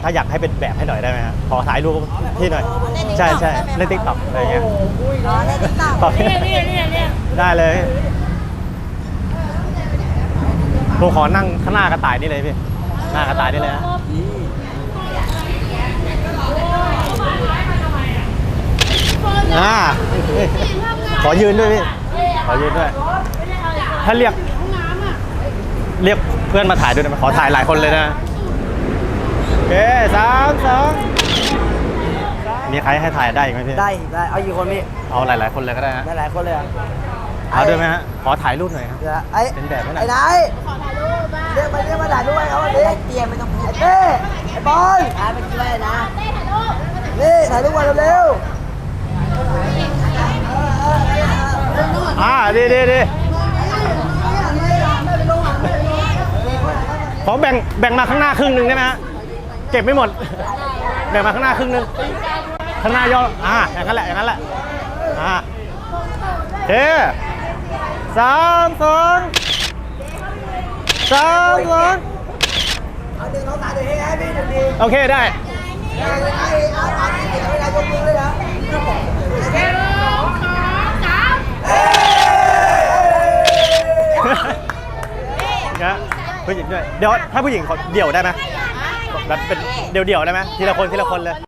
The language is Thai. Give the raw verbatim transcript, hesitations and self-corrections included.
ถ้าอยากให้เป็นแบบให้หน่อยได้ไหมฮะขอถ่ายรูปที่หน่อยใช่ใช่ในติ๊กต็อกอะไรเงี้ยอ๋อในติ๊กต็อกเนี่ยเนี่ยเนี่ยเนี่ยได้เลยผมขอนั่งข้างหน้ากระต่ายนี่เลยพี่หน้ากระต่ายนี่เลยนะอ่าขอยืนด้วยพี่ขอยืนด้วยถ้าเรียกเรียกเพื่อนมาถ่ายด้วยนะขอถ่ายหลายคนเลยนะโอเคสามสองมีใครให้ถ่ายได้อีกไหมพี่ได้ได้เอากี่คนพี่เอาหลายๆคนเลยก็ได้ฮะหลายๆคนเลยอ่ะเอาด้วยไหมฮะขอถ่ายรูปหน่อยครับไอ้เป็นแบบให้หน่อยไอ้นายขอถ่ายรูปบ้างเรียกมาเรียกมาถ่ายรูปให้เขาวันนี้เตี้ยไม่ต้องพูดไอ้เต้ไอ้บอลถ่ายไปกี่เลยนะเต้ถ่ายรูปนี่ถ่ายรูปมาเร็วๆอ่าดีดีดีขอแบ่งแบ่งมาข้างหน้าครึ่งหนึ่งได้ไหมฮะเก็บไม่หมดแบ่งมาข้างหน้าครึ่งหนึ่งข้างหน้าย่ออ่าอย่างนั้นแหละอย่างนั้นแหละอ่าเฮ้สามสองสามสองเอาดึงน้องตาเดี๋ยวให้ให้พี่ดูดีโอเคได้เอาเอาเอาที่เด็กให้นายยกมือเลยนะหนึ่งสองสามนะผู้หญิงด้วยเดี๋ยวถ้าผู้หญิงเขาเดี่ยวได้ไหมแบบเป็นเดี่ยวๆได้ไหมทีละคนทีละคนเลย